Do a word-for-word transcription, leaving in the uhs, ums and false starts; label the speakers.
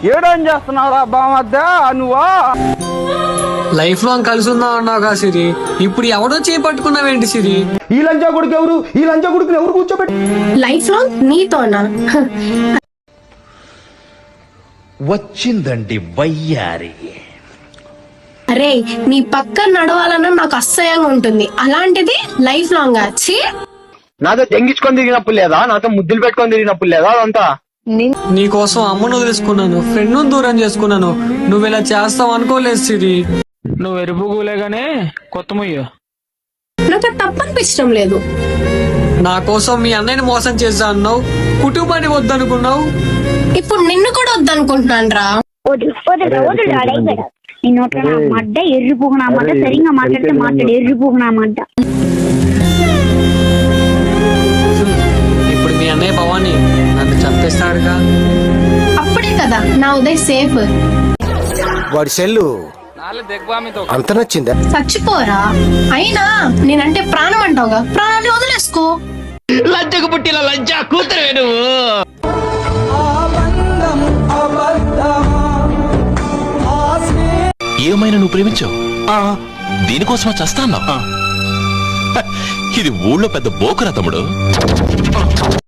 Speaker 1: ఏడేం చేస్తున్నావురా బామద్ద నువ్వా?
Speaker 2: Life long కలిసి ఉందాం అన్నావుగా సిరి, ఇప్పుడు ఎవడో చేపట్టుకున్నావేంటి సిరి?
Speaker 1: ఈ లంచా కొడుకు ఎవరు? ఈ లంచా కొడుకుని ఎవరు కూర్చోబెట్టి
Speaker 3: లైఫ్ లాంగ్ నీతోనా?
Speaker 4: వచ్చిందండి వయ్యారి.
Speaker 3: అరే నీ పక్కన నడవాలన్నా నాకు అసహ్యంగా ఉంటుంది, అలాంటిది లైఫ్ లాంగ్ వచ్చి
Speaker 1: నాతో తెంగించుకొని తిరిగినప్పుడు లేదా, నాతో ముద్దులు పెట్టుకొని తిరిగినప్పుడు లేదా? అదంతా
Speaker 2: నీ కోసం అమ్మను వదిలేసుకున్నాను, ఫ్రెండ్ దూరం చేసుకున్నాను, నువ్వు ఇలా చేస్తావు అనుకోలేదు సిరి.
Speaker 5: నువ్వు ఎరుపుగులేగానే కొత్త ముయ్యు.
Speaker 3: నాకు తప్పనిపించడం లేదు.
Speaker 2: నా కోసం మీ అన్నయ్యని మోసం చేస్తా అన్నావు, కుటుంబాన్ని వద్దనుకున్నావు,
Speaker 3: ఇప్పుడు నిన్ను కూడా వద్దనుకుంటున్నాను రా.
Speaker 6: మడ్డ ఎర్రిపోకున్నామంట, సరిగా మాట్లాడితే మాట్లాడు, ఎర్రిపోకున్నామంట.
Speaker 2: ఇప్పుడు మీ అన్నయ్య భవాని నన్ను చంపేస్తాడుగా.
Speaker 3: అప్పుడే కదా నా ఉదయ్ సేఫ్.
Speaker 7: వాడి సెల్లు అంత నచ్చిందా?
Speaker 3: చచ్చిపోరా, అయినా నేనంటే ప్రాణం అంటావుగా, ప్రాణాన్ని వదిలేసుకో.
Speaker 4: లంచకు పుట్టిన లంచా కూతురే నువ్వు. ఏమైనా నువ్వు ప్రేమించావు, దీనికోసమా చస్తాన్నా? ఇది ఊళ్ళో పెద్ద బోకురా తమ్ముడు.